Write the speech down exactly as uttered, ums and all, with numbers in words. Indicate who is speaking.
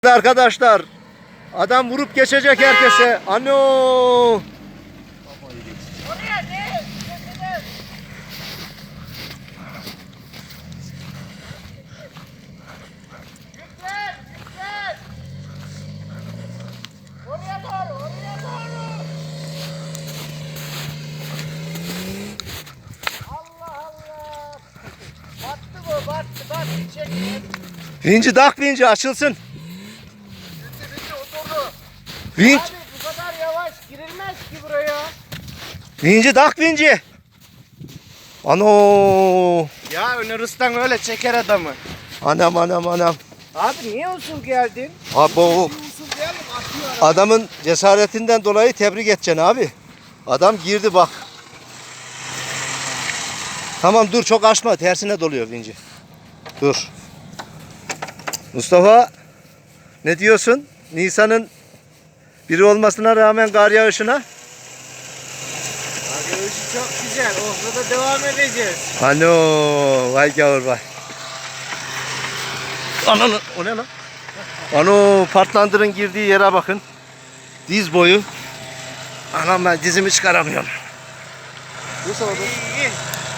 Speaker 1: Arkadaşlar, adam vurup geçecek herkese. Ano!
Speaker 2: Oraya ne? Yüklen, yüklen. Oraya doğru, oraya doğru. Allah Allah. Battı bu, battı, battı. Çekme.
Speaker 1: Vinci dak vinci açılsın.
Speaker 2: Bitti, bitti, oturdu.
Speaker 1: Vinç,
Speaker 2: Abi bu kadar yavaş girilmez ki buraya.
Speaker 1: vinci dak vinci. Ano!
Speaker 2: Ya Önürüs'ten öyle çeker adamı.
Speaker 1: Anam anam anam.
Speaker 2: Abi niye usul geldin?
Speaker 1: Abo,
Speaker 2: Bir usul geldim atıyor araba.
Speaker 1: adamın cesaretinden dolayı tebrik edeceksin abi. Adam girdi bak. Tamam dur, çok açma, tersine doluyor vinci. Dur. Mustafa, ne diyorsun? Nisan'ın biri olmasına rağmen kar yağışına.
Speaker 2: Abi o işi çok güzel. Orada devam edeceğiz.
Speaker 1: Ano, vay gavur vay. Ananı, o ne lan? Ano, partlandırın girdiği yere bakın. Diz boyu. Anam, ben dizimi çıkaramıyorum.
Speaker 2: İyi, iyi.